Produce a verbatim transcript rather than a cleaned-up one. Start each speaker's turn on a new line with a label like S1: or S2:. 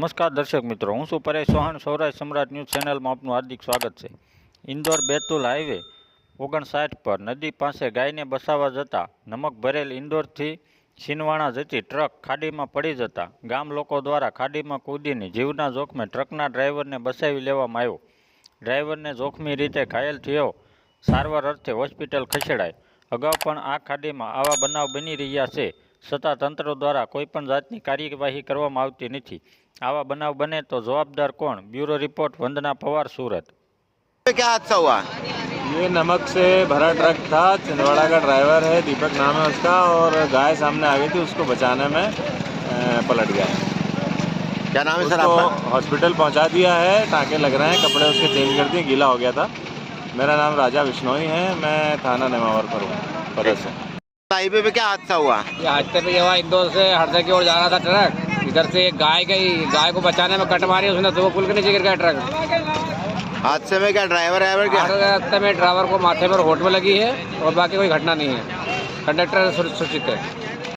S1: નમસ્કાર દર્શક મિત્રો, હું છું પરેશ ચૌહાણ. સૌરાષ્ટ્ર સમ્રાટ ન્યૂઝ ચેનલમાં આપનું હાર્દિક સ્વાગત છે. ઇન્દોર બેતુલ હાઈવે ઓગણસાઠ પર નદી પાસે ગાયને બસાવવા જતા નમક ભરેલ ઇન્દોરથી છીનવાણા જતી ટ્રક ખાડીમાં પડી જતા ગામ લોકો દ્વારા ખાડીમાં કૂદીને જીવના જોખમે ટ્રકના ડ્રાઈવરને બસાવી લેવામાં આવ્યો. ડ્રાઈવરને જોખમી રીતે ઘાયલ થયો સારવાર અર્થે હોસ્પિટલ ખસેડાય. અગાઉ પણ આ ખાડીમાં આવા બનાવ બની રહ્યા છે, છતાં તંત્ર દ્વારા કોઈપણ જાતની કાર્યવાહી કરવામાં આવતી નથી. आवा बनाव बने तो जवाबदार कौन? Bureau report, Vandana Pawar, Surat.
S2: क्या हादसा हुआ?
S3: ये नमक से भरा ट्रक था, छिंदवाड़ा का ड्राइवर है, दीपक नाम है उसका, और गाय सामने आ गई थी, उसको बचाने में पलट गया है।
S2: क्या नाम है सर
S3: उसको
S2: आपका?
S3: हॉस्पिटल पहुंचा दिया है, टाँके लग रहे हैं, कपड़े उसके चेंज कर दिए, गीला हो गया था। मेरा नाम राजा विश्नोई है, मैं थाना नेमावर पर हूँ, पदर से।
S2: हाईवे पे क्या हादसा हुआ?
S4: ये हादसे पे हुआ, इंदौर से हरदा की ओर जा रहा था ट्रक, इधर से एक गाय गई, गाय को बचाने में कट मारी उसने, तो वो पुल के नीचे गिर गया ट्रक।
S2: हादसे में क्या ड्राइवर ड्राइवर क्या?
S4: रास्ते में ड्राइवर को माथे पर होठ में लगी है और बाकी कोई घटना नहीं है। कंडक्टर सुरक्षित है।